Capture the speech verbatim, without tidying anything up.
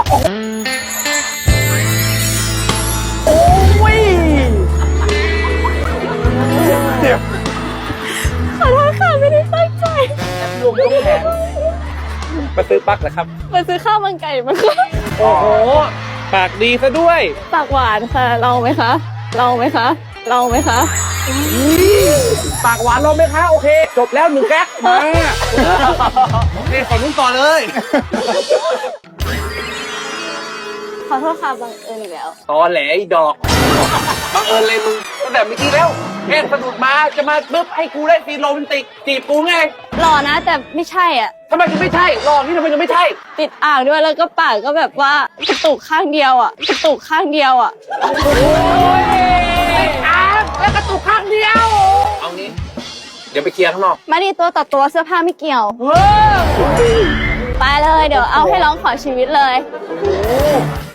โอ้ยเดี๋ยวขอโทษค่ะไม่ได้ตั้งใจรวมยกแขนมาซื้อปลั๊กเหรอครับมาซื้อข้าวมันไก่มาค่ะโอ้โหปากดีซะด้วยปากหวานค่ะลองไหมคะลองไหมคะลองไหมคะปากหวานลองไหมคะโอเค จบแล้วหนึ่งแก๊กมาโอเคขอนุ่นต่อเลยขอโทษค่ะบังเอิญอีกแล้วตอแหลอีดอกบังเอิญเลยมึงตั้งแต่เมื่อกี้แล้วแค่สะดุดมาจะมาปึ๊บให้กูได้ซีนโรแมนติกจีบกูไงหล่อนะแต่ไม่ใช่อ่ะทำไมถึงไม่ใช่รอบนี้ทำไมถึงไม่ใช่ติดอ่างด้วยแล้วก็ปากก็แบบว่ากระตุกข้างเดียวอ่ะกระตุกข้างเดียวอ่ะโอ้ยอาแล้วกระตุกข้างเดียว เอางี้ เดี๋ยวไปเคลียร์ข้างนอกมาดีตัวต่อตัวเสื้อผ้าไม่เกี่ยวเออไปเลยเดี๋ยวเอาให้ร้องขอชีวิตเลยโอ้